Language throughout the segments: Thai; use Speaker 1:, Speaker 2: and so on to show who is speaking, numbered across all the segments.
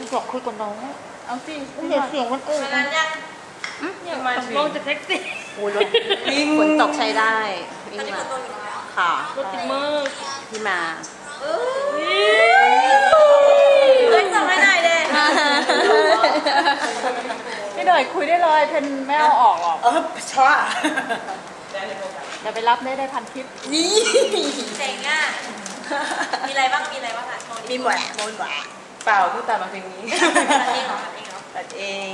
Speaker 1: อยากคุยกับน้องเอาสิเดี๋ยวเสียงมัน
Speaker 2: มานานยัง
Speaker 1: เนี่ยมาลงจากแท็กซี่
Speaker 3: โอ้ยฝนตกใช้ได้
Speaker 2: ตอนนี้ฝนตกอยู่แล้ว
Speaker 3: ค่ะ
Speaker 1: รถติดมาก
Speaker 3: พี่มา
Speaker 2: เฮ้ยส่งให้หน่อยเลย
Speaker 1: พี่หน่อยคุยได้เลยเพนไม่เอาออกหรอก
Speaker 3: ช้า
Speaker 1: เดี๋ยวไปรับได้พันทิป
Speaker 3: นี่
Speaker 2: เจ๋งอ่ะมีอะไรบ้างค่ะ
Speaker 3: มีหมด
Speaker 1: เปล่าเพิ่งตัดมาเพลงนี้
Speaker 2: ตัดเองเหรอ
Speaker 3: ตัดเอง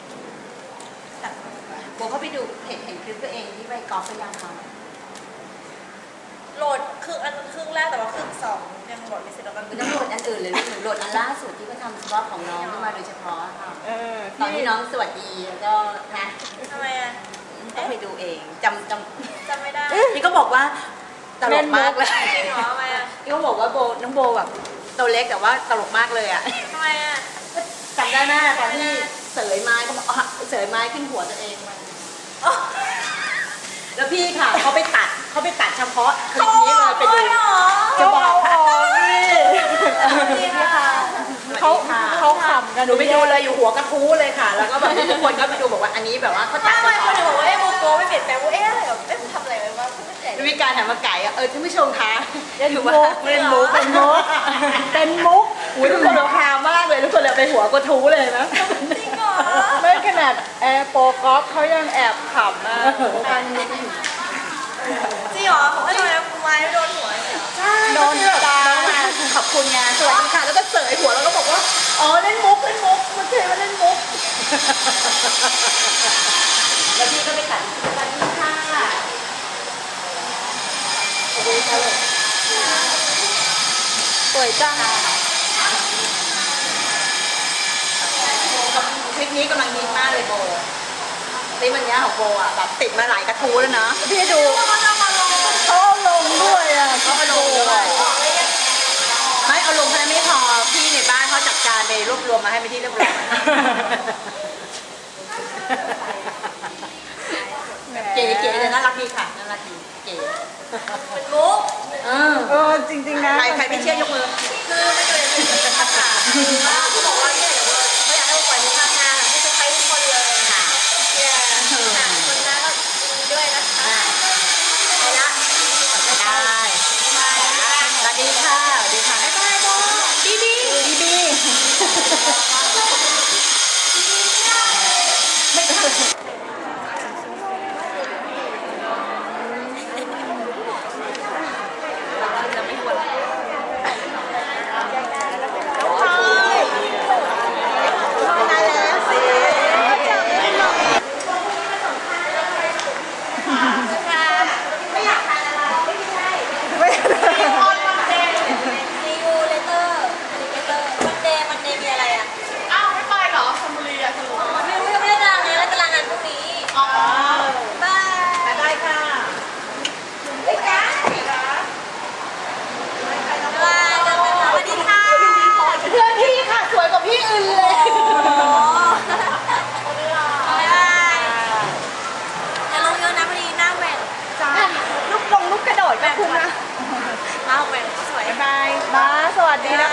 Speaker 3: โบเขาไปดูเห็นคลิปตัวเองที่ไปกอล์ฟพยายามทำ
Speaker 2: โหลดครึ่งแรกแต่ว่าครึ่งสองยังโหลดไม่เสร็จแล้วกัน
Speaker 3: ต้องโหลดอันอื่นเลยหรือโหลดอันล่าสุดที่เขาทำเฉพาะของน้องขึ้นมาโดยเฉพาะค่ะตอนที่น้องสวัสดีแล้วก็นะ
Speaker 2: ทำไมอ่ะ
Speaker 3: ต้องไปดูเองจ
Speaker 2: ำไม่ได้
Speaker 3: นี่ก็บอกว่าตลกมากเลย
Speaker 2: จริงเหรอทำไมอ่ะ
Speaker 3: นี่เขาบอกว่าน้องโบแบบตัวเล็กแต่ว่าตลกมากเลยอ่ะ
Speaker 2: ทำไมอ่ะ
Speaker 3: จำได้ไหมตอนที่เสยไม้เขาบอกเสยไม้ขึ้นหัวตัวเองมันแล้วพี่ค่ะเขาไปตัดเฉพาะคลิปนี้เลยไปดูจะบอกค่ะ
Speaker 1: นี่ค่ะเขาขำกัน
Speaker 3: หนูไปดูเลยอยู่หัวกระทู้เลยค่ะแล้วก็แบบทุกคนก็ไปดูบอกว่าอันนี้แบบว่าเขาตัด
Speaker 2: ไม่คนบอกว่าโมโกไม่เปลี่ยนแปลงว่าอะไรแบบทำอะไรไว้ว่าคุณไม่ใจ
Speaker 3: วิการถามมาไก่ท่านผู้ชมคะ
Speaker 1: ถือว่าเป็นมุก
Speaker 3: อุ้ยทุกคนเราพามากเลยทุกคนเลยไปหัวกระทู้เลยนะ
Speaker 2: จริงเหรอ
Speaker 1: ไม่ขนาดแอร์โปรกอล์ฟเขายังแอบขำนะ
Speaker 2: จริงเหรอผมให้ทำไมคุณไม้ไม่โดนหัวเลย
Speaker 3: โดนตาขอบคุณงานสวัสดีค่ะแล้วก็เสยหัวแล้วก็บอกว่าอ๋อเล่นมุกมันเคยมาเล่นมุกแล้วพี่ก็ไปตัดสวัสดีค่ะสวัสดีค่ะ
Speaker 1: สวยจัง
Speaker 3: คลิปนี้กำลังฮิตมากเลยโบนี่มันเนี้ยของโบอ่ะแบบติดมาหลายกระทู้แล้วนะ
Speaker 1: พี่ดูเขาลงด้วยอ่ะ
Speaker 3: เขามาลงด้วยไม่เอาลงแค่ไม่พอพี่ในบ้านเขาจัดการไปรวบรวมมาให้ไปที่เรียบร้อยเก๋เลยน่ารักดีค่ะน่ารักดีเก๋
Speaker 2: เป็นมุก
Speaker 1: จริงๆนะ
Speaker 3: ใครไม่เชื่อยกมือ
Speaker 2: คือไม่เคยเป็นมุกค่ะเขาบอกว่าเนี่ยเขาอยากให้ปล่อยมุกทำงานให้ทุกคนเลยค่ะเนี่ยคนนั้นก็ด้วยนะคะ
Speaker 3: ได้ละได้สวัสดีค่ะสวัสดีค่ะบ๊ายบายโบบี
Speaker 1: ลูกกระโดดก็คุ้มนะ
Speaker 2: มาแหวนสวย
Speaker 1: บายมาสวัสดีนะ